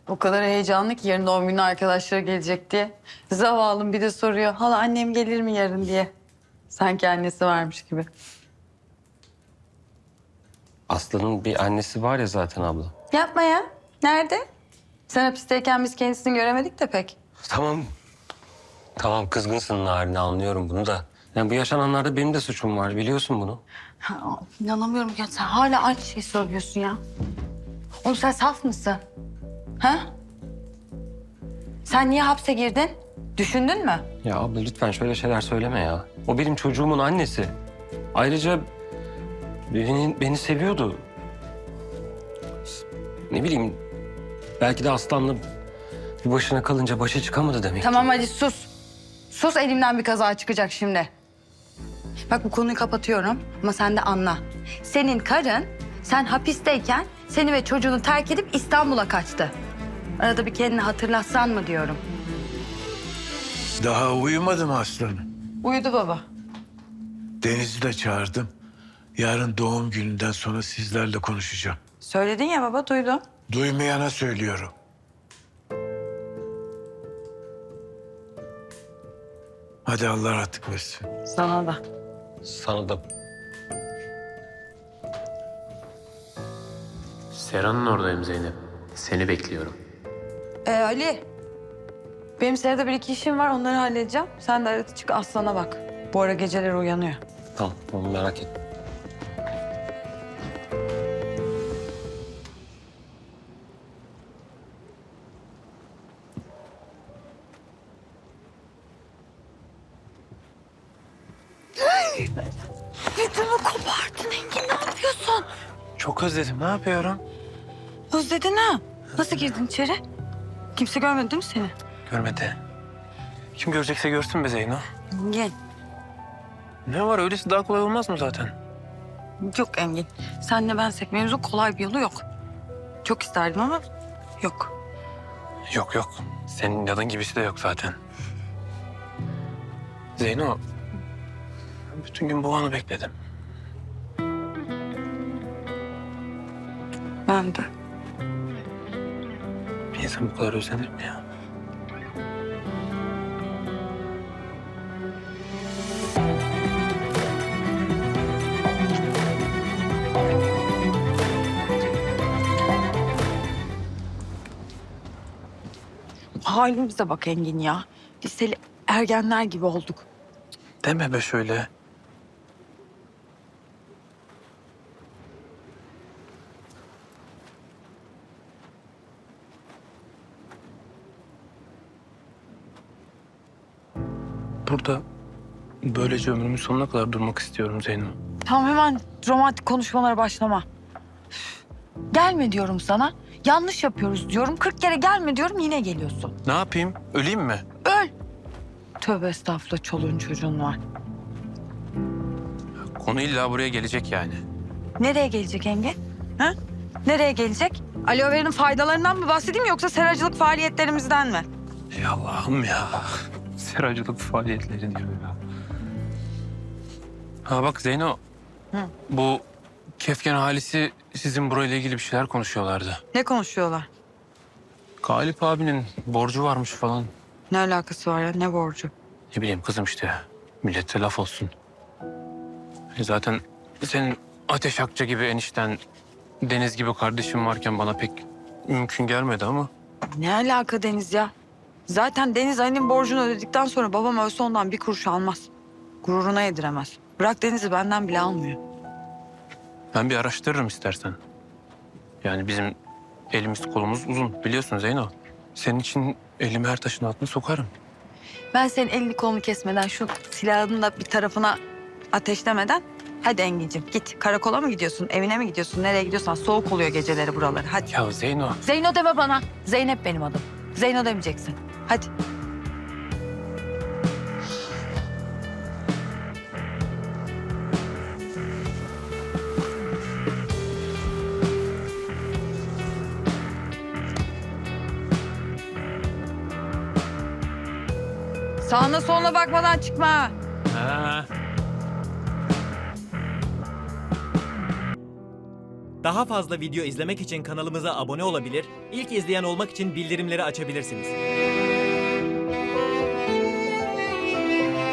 O kadar heyecanlı ki yarın doğum günü arkadaşları gelecek diye. Zavallım bir de soruyor. Hala annem gelir mi yarın diye. Sanki annesi varmış gibi. Aslı'nın bir annesi var ya zaten abla. Yapma ya. Nerede? Sen hapisteyken biz kendisini göremedik de pek. Tamam. Tamam kızgınsın Narin, anlıyorum bunu da. Yani bu yaşananlarda benim de suçum var, biliyorsun bunu. Ha, inanamıyorum ya. Sen hala aynı şeyi söylüyorsun ya. Oğlum sen saf mısın? Ha? Sen niye hapse girdin? Düşündün mü? Ya abla lütfen şöyle şeyler söyleme ya. O benim çocuğumun annesi. Ayrıca beni seviyordu. Ne bileyim, belki de Aslan'la bir başına kalınca başa çıkamadı demek. Tamam hadi sus. Sus, elimden bir kaza çıkacak şimdi. Bak bu konuyu kapatıyorum ama sen de anla. Senin karın sen hapisteyken seni ve çocuğunu terk edip İstanbul'a kaçtı. Arada bir kendini hatırlatsan mı diyorum. Daha uyumadım aslanım. Uyudu baba. Deniz'i de çağırdım. Yarın doğum gününden sonra sizlerle konuşacağım. Söyledin ya baba, duydum. Duymayana söylüyorum. Hadi Allah rahatlık versin. Sana da. Sana da. Serhan'ın oradayım Zeynep. Seni bekliyorum. Ali. Benim Serada bir iki işim var, onları halledeceğim. Sen de arada çık Aslan'a bak. Bu ara geceleri uyanıyor. Tamam merak etme. Ödümü kopardın Engin, ne yapıyorsun? Çok özledim. Ne yapıyorum? Özledin ha. Nasıl girdin içeri? Kimse görmedi değil mi seni? Görmedi. Kim görecekse görsün be Zeyno. Engin. Ne var, öylesi daha kolay olmaz mı zaten? Yok Engin. Senle bensek mevzu kolay bir yolu yok. Çok isterdim ama yok. Yok. Senin inadın gibisi de yok zaten. Zeyno, bütün gün bu anı bekledim. Ben de. Bir insan bu kadar özlenir mi ya? Halimize bak Engin ya. Liseli ergenler gibi olduk. Deme be şöyle. Burada böylece ömrümün sonuna kadar durmak istiyorum Zeyno. Tamam, hemen romantik konuşmalara başlama. Üf, gelme diyorum sana. Yanlış yapıyoruz diyorum. 40 kere gelme diyorum, yine geliyorsun. Ne yapayım? Öleyim mi? Öl. Tövbe estağfurullah, çoluğun çocuğun var. Konu illa buraya gelecek yani. Nereye gelecek Engin? Ha? Nereye gelecek? Aloe vera'nın faydalarından mı bahsedeyim yoksa seracılık faaliyetlerimizden mi? Ey Allah'ım ya. Seracılık faaliyetleri diyor ya. Ha bak Zeyno. Hı. Bu Kefken ailesi sizin burayla ilgili bir şeyler konuşuyorlardı. Ne konuşuyorlar? Galip abinin borcu varmış falan. Ne alakası var ya? Ne borcu? Ne bileyim kızım işte. Millete laf olsun. Zaten senin Ateş Akça gibi enişten, Deniz gibi kardeşim varken bana pek mümkün gelmedi ama. Ne alaka Deniz ya? Zaten Deniz Ali'nin borcunu ödedikten sonra babam ölse ondan bir kuruş almaz. Gururuna yediremez. Bırak Deniz'i, benden bile almıyor. Ben bir araştırırım istersen. Yani bizim elimiz kolumuz uzun biliyorsun Zeyno. Senin için elimi her taşın altına sokarım. Ben senin elini kolunu kesmeden, şu silahını da bir tarafına ateşlemeden... Hadi Engin'cim git. Karakola mı gidiyorsun? Evine mi gidiyorsun? Nereye gidiyorsan, soğuk oluyor geceleri buraları. Hadi. Ya Zeyno. Zeyno deme bana. Zeynep benim adım. Zeyno demeyeceksin. Hadi. Sağına soluna bakmadan çıkma. Ha. Daha fazla video izlemek için kanalımıza abone olabilir, ilk izleyen olmak için bildirimleri açabilirsiniz.